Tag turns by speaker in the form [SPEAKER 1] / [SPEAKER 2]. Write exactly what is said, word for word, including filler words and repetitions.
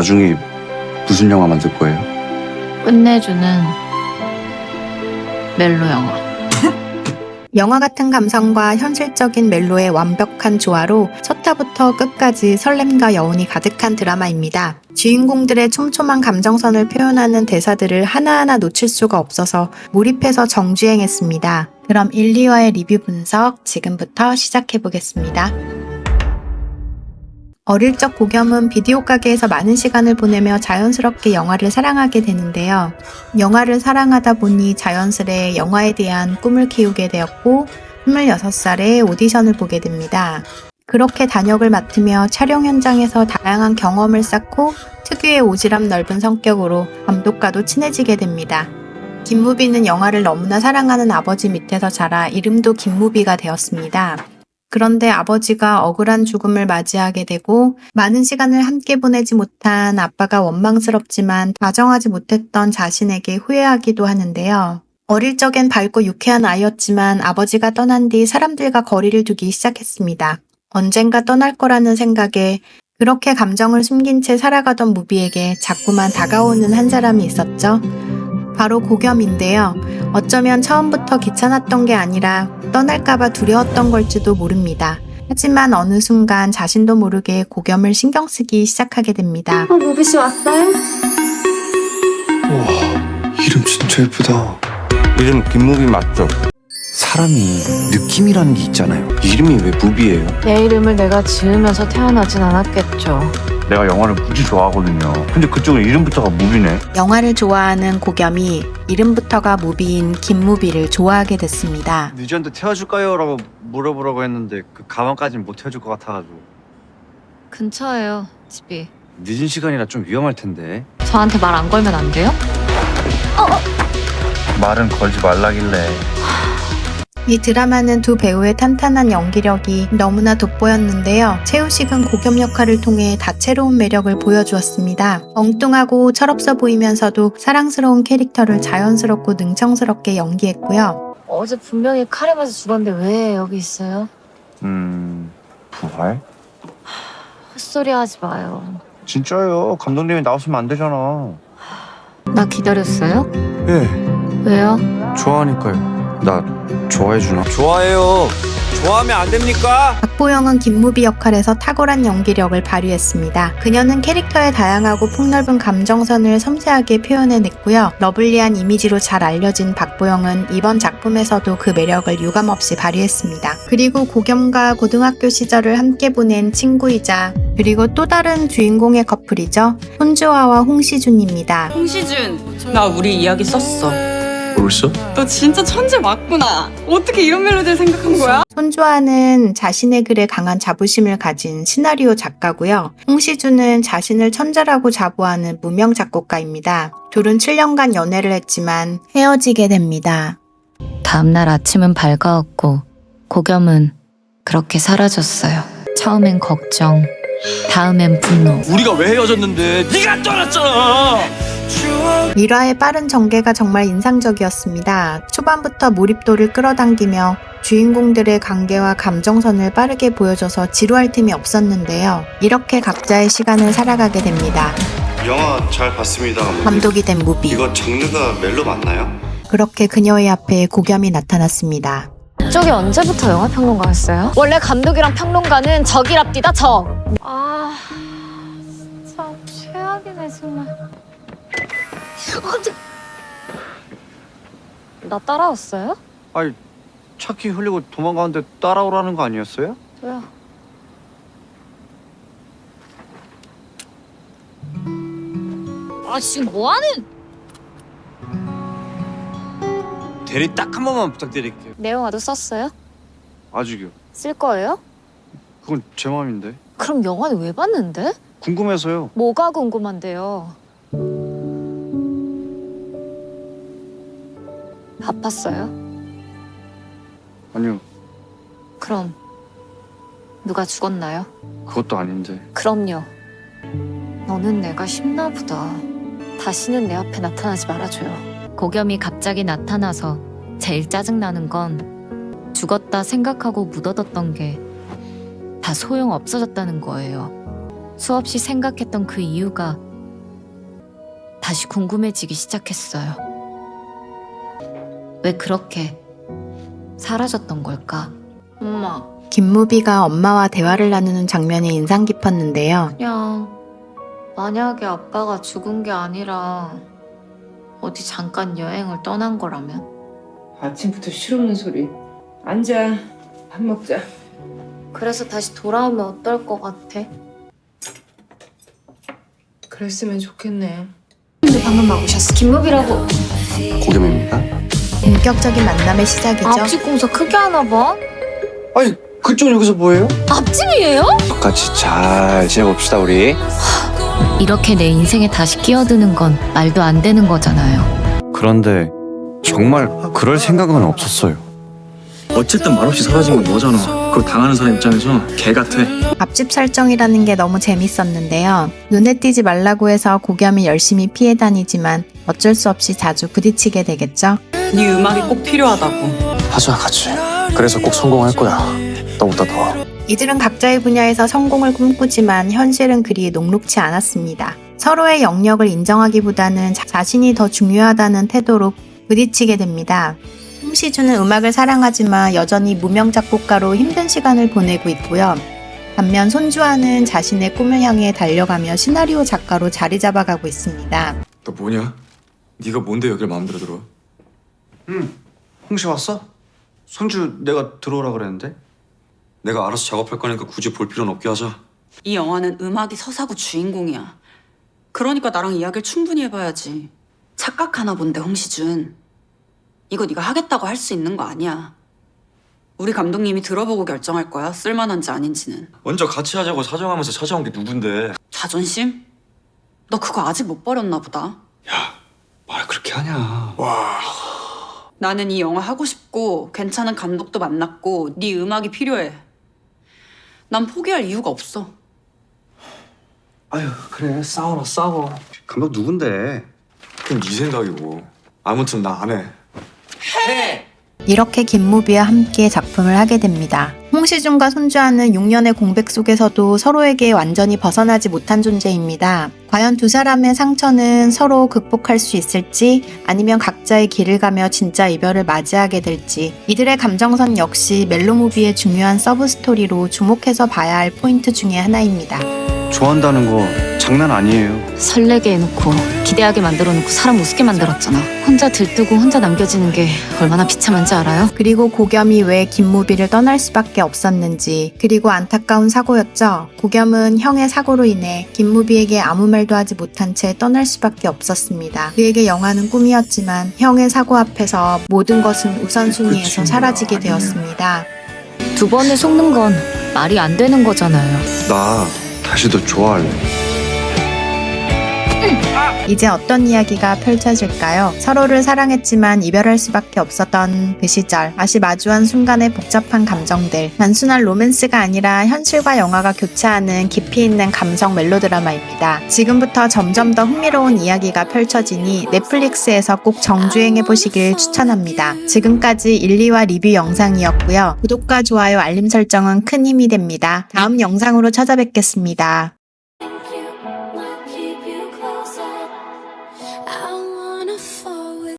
[SPEAKER 1] 나중에 무슨 영화 만들 거예요?
[SPEAKER 2] 끝내주는 멜로 영화.
[SPEAKER 3] 영화 같은 감성과 현실적인 멜로의 완벽한 조화로 첫 화부터 끝까지 설렘과 여운이 가득한 드라마입니다. 주인공들의 촘촘한 감정선을 표현하는 대사들을 하나하나 놓칠 수가 없어서 몰입해서 정주행했습니다. 그럼 일, 이 화의 리뷰 분석 지금부터 시작해보겠습니다. 어릴 적 고겸은 비디오 가게에서 많은 시간을 보내며 자연스럽게 영화를 사랑하게 되는데요. 영화를 사랑하다 보니 자연스레 영화에 대한 꿈을 키우게 되었고 스물여섯 살에 오디션을 보게 됩니다. 그렇게 단역을 맡으며 촬영 현장에서 다양한 경험을 쌓고 특유의 오지랖 넓은 성격으로 감독과도 친해지게 됩니다. 김무비는 영화를 너무나 사랑하는 아버지 밑에서 자라 이름도 김무비가 되었습니다. 그런데 아버지가 억울한 죽음을 맞이하게 되고 많은 시간을 함께 보내지 못한 아빠가 원망스럽지만 다정하지 못했던 자신에게 후회하기도 하는데요. 어릴 적엔 밝고 유쾌한 아이였지만 아버지가 떠난 뒤 사람들과 거리를 두기 시작했습니다. 언젠가 떠날 거라는 생각에 그렇게 감정을 숨긴 채 살아가던 무비에게 자꾸만 다가오는 한 사람이 있었죠. 바로 고겸인데요. 어쩌면 처음부터 귀찮았던 게 아니라 떠날까봐 두려웠던 걸지도 모릅니다. 하지만 어느 순간 자신도 모르게 고겸을 신경 쓰기 시작하게 됩니다.
[SPEAKER 4] 어, 무비씨 왔어요?
[SPEAKER 1] 우와, 이름 진짜 예쁘다.
[SPEAKER 5] 이름 김무비 맞죠?
[SPEAKER 1] 사람이 느낌이라는 게 있잖아요. 이름이 왜 무비예요?
[SPEAKER 2] 내 이름을 내가 지으면서 태어나진 않았겠죠.
[SPEAKER 5] 내가 영화를 무지 좋아하거든요. 근데 그쪽은 이름부터가 무비네.
[SPEAKER 3] 영화를 좋아하는 고겸이 이름부터가 무비인 김무비를 좋아하게 됐습니다.
[SPEAKER 6] 뮤지엄도 태워줄까요? 라고 물어보라고 했는데 그 가방까지는 못 태워줄 것 같아가지고.
[SPEAKER 2] 근처에요, 집이.
[SPEAKER 6] 늦은 시간이라 좀 위험할 텐데.
[SPEAKER 2] 저한테 말 안 걸면 안 돼요?
[SPEAKER 5] 말은 걸지 말라길래.
[SPEAKER 3] 이 드라마는 두 배우의 탄탄한 연기력이 너무나 돋보였는데요. 최우식은 고겸 역할을 통해 다채로운 매력을 보여주었습니다. 엉뚱하고 철없어 보이면서도 사랑스러운 캐릭터를 자연스럽고 능청스럽게 연기했고요.
[SPEAKER 2] 어제 분명히 칼에 맞아 죽었는데 왜 여기 있어요?
[SPEAKER 5] 음... 부활?
[SPEAKER 2] 헛소리 하지 마요.
[SPEAKER 5] 진짜요. 감독님이 나왔으면 안 되잖아.
[SPEAKER 2] 나 기다렸어요?
[SPEAKER 1] 예,
[SPEAKER 2] 왜요?
[SPEAKER 1] 좋아하니까요. 나 좋아해주나?
[SPEAKER 6] 좋아해요. 좋아하면 안 됩니까?
[SPEAKER 3] 박보영은 김무비 역할에서 탁월한 연기력을 발휘했습니다. 그녀는 캐릭터의 다양하고 폭넓은 감정선을 섬세하게 표현해냈고요. 러블리한 이미지로 잘 알려진 박보영은 이번 작품에서도 그 매력을 유감없이 발휘했습니다. 그리고 고겸과 고등학교 시절을 함께 보낸 친구이자 그리고 또 다른 주인공의 커플이죠. 손주화와 홍시준입니다.
[SPEAKER 7] 홍시준, 나 우리 이야기 썼어.
[SPEAKER 1] 벌써?
[SPEAKER 7] 너 진짜 천재 맞구나. 어떻게 이런 멜로디를 생각한 거야?
[SPEAKER 3] 손주아는 자신의 글에 강한 자부심을 가진 시나리오 작가고요. 홍시준은 자신을 천재라고 자부하는 무명 작곡가입니다. 둘은 칠 년간 연애를 했지만 헤어지게 됩니다.
[SPEAKER 2] 다음날 아침은 밝아왔고 고겸은 그렇게 사라졌어요. 처음엔 걱정, 다음엔 분노.
[SPEAKER 6] 우리가 왜 헤어졌는데 네가 떠났잖아.
[SPEAKER 3] 일화의 빠른 전개가 정말 인상적이었습니다. 초반부터 몰입도를 끌어당기며 주인공들의 관계와 감정선을 빠르게 보여줘서 지루할 틈이 없었는데요. 이렇게 각자의 시간을 살아가게 됩니다.
[SPEAKER 1] 영화 잘 봤습니다. 감독님.
[SPEAKER 3] 감독이 된 무비.
[SPEAKER 1] 이거 장르가 멜로 맞나요?
[SPEAKER 3] 그렇게 그녀의 앞에 고겸이 나타났습니다.
[SPEAKER 2] 저기 언제부터 영화평론가였어요? 원래 감독이랑 평론가는 적이랍디다, 적. 아, 진짜 최악이네 정말. 나 따라왔어요?
[SPEAKER 6] 아니 차키 흘리고 도망가는데 따라오라는 거 아니었어요?
[SPEAKER 2] 왜요? 아 지금 뭐하는?
[SPEAKER 6] 대리 딱 한 번만 부탁드릴게요.
[SPEAKER 2] 내용화도 썼어요?
[SPEAKER 6] 아직요.
[SPEAKER 2] 쓸 거예요?
[SPEAKER 6] 그건 제 마음인데.
[SPEAKER 2] 그럼 영화는 왜 봤는데?
[SPEAKER 6] 궁금해서요.
[SPEAKER 2] 뭐가 궁금한데요? 바빴어요?
[SPEAKER 6] 아니요.
[SPEAKER 2] 그럼 누가 죽었나요?
[SPEAKER 6] 그것도 아닌데.
[SPEAKER 2] 그럼요. 너는 내가 쉽나 보다. 다시는 내 앞에 나타나지 말아줘요. 고겸이 갑자기 나타나서 제일 짜증나는 건 죽었다 생각하고 묻어뒀던 게 다 소용 없어졌다는 거예요. 수없이 생각했던 그 이유가 다시 궁금해지기 시작했어요. 왜 그렇게 사라졌던 걸까? 엄마,
[SPEAKER 3] 김무비가 엄마와 대화를 나누는 장면이 인상 깊었는데요.
[SPEAKER 2] 그냥 만약에 아빠가 죽은 게 아니라 어디 잠깐 여행을 떠난 거라면?
[SPEAKER 4] 아침부터 실없는 소리. 앉아. 밥 먹자.
[SPEAKER 2] 그래서 다시 돌아오면 어떨 것 같아?
[SPEAKER 4] 그랬으면 좋겠네.
[SPEAKER 2] 방금 막 오셨어. 김무비라고.
[SPEAKER 1] 고겸입니다.
[SPEAKER 3] 본격적인 만남의 시작이죠.
[SPEAKER 2] 앞집 공사 크게 하나 봐.
[SPEAKER 1] 아니 그쪽은 여기서 뭐해요?
[SPEAKER 2] 앞집이에요?
[SPEAKER 1] 같이 잘 지내봅시다 우리.
[SPEAKER 2] 이렇게 내 인생에 다시 끼어드는 건 말도 안 되는 거잖아요.
[SPEAKER 6] 그런데 정말 그럴 생각은 없었어요.
[SPEAKER 8] 어쨌든 말없이 사라진 건 너잖아. 그걸 당하는 사람 입장에서 개 같아.
[SPEAKER 3] 앞집 설정이라는 게 너무 재밌었는데요. 눈에 띄지 말라고 해서 고겸이 열심히 피해 다니지만 어쩔 수 없이 자주 부딪히게 되겠죠.
[SPEAKER 7] 네 음악이 꼭 필요하다고.
[SPEAKER 8] 하자 같이. 그래서 꼭 성공할 거야. 너보다 더.
[SPEAKER 3] 이들은 각자의 분야에서 성공을 꿈꾸지만 현실은 그리 녹록치 않았습니다. 서로의 영역을 인정하기보다는 자- 자신이 더 중요하다는 태도로 부딪히게 됩니다. 홍시주는 음악을 사랑하지만 여전히 무명 작곡가로 힘든 시간을 보내고 있고요. 반면 손주아는 자신의 꿈을 향해 달려가며 시나리오 작가로 자리 잡아가고 있습니다.
[SPEAKER 8] 너 뭐냐? 네가 뭔데 여길 마음대로 들어?
[SPEAKER 6] 응. 홍시 왔어? 손주 내가 들어오라 그랬는데.
[SPEAKER 8] 내가 알아서 작업할 거니까 굳이 볼 필요는 없게 하자.
[SPEAKER 7] 이 영화는 음악이 서사고 주인공이야. 그러니까 나랑 이야기를 충분히 해봐야지. 착각하나 본데 홍시준. 이거 네가 하겠다고 할 수 있는 거 아니야. 우리 감독님이 들어보고 결정할 거야. 쓸만한지 아닌지는.
[SPEAKER 8] 먼저 같이 하자고 사정하면서 찾아온 게 누군데?
[SPEAKER 7] 자존심? 너 그거 아직 못 버렸나 보다.
[SPEAKER 8] 야, 말 그렇게 하냐?
[SPEAKER 7] 나는 이 영화 하고 싶고 괜찮은 감독도 만났고 네 음악이 필요해. 난 포기할 이유가 없어.
[SPEAKER 6] 아유 그래 싸워라 싸워. 감독 누군데?
[SPEAKER 8] 그건 네 생각이고. 아무튼 나 안 해.
[SPEAKER 3] 이렇게 김무비와 함께 작품을 하게 됩니다. 홍시준과 손주아는 육 년의 공백 속에서도 서로에게 완전히 벗어나지 못한 존재입니다. 과연 두 사람의 상처는 서로 극복할 수 있을지 아니면 각자의 길을 가며 진짜 이별을 맞이하게 될지 이들의 감정선 역시 멜로무비의 중요한 서브 스토리로 주목해서 봐야 할 포인트 중에 하나입니다.
[SPEAKER 6] 좋아한다는 거 장난 아니에요.
[SPEAKER 2] 설레게 해놓고 기대하게 만들어놓고 사람 우습게 만들었잖아. 혼자 들뜨고 혼자 남겨지는 게 얼마나 비참한지 알아요?
[SPEAKER 3] 그리고 고겸이 왜 김무비를 떠날 수밖에 없었는지 그리고 안타까운 사고였죠. 고겸은 형의 사고로 인해 김무비에게 아무 말도 하지 못한 채 떠날 수밖에 없었습니다. 그에게 영화는 꿈이었지만 형의 사고 앞에서 모든 것은 우선순위에서 사라지게 되었습니다.
[SPEAKER 2] 두 번을 속는 건 말이 안 되는 거잖아요.
[SPEAKER 1] 나 다시 더 좋아할래.
[SPEAKER 3] 이제 어떤 이야기가 펼쳐질까요? 서로를 사랑했지만 이별할 수밖에 없었던 그 시절, 다시 마주한 순간의 복잡한 감정들, 단순한 로맨스가 아니라 현실과 영화가 교차하는 깊이 있는 감성 멜로드라마입니다. 지금부터 점점 더 흥미로운 이야기가 펼쳐지니 넷플릭스에서 꼭 정주행해 보시길 추천합니다. 지금까지 일, 이화 리뷰 영상이었고요. 구독과 좋아요, 알림 설정은 큰 힘이 됩니다. 다음 영상으로 찾아뵙겠습니다.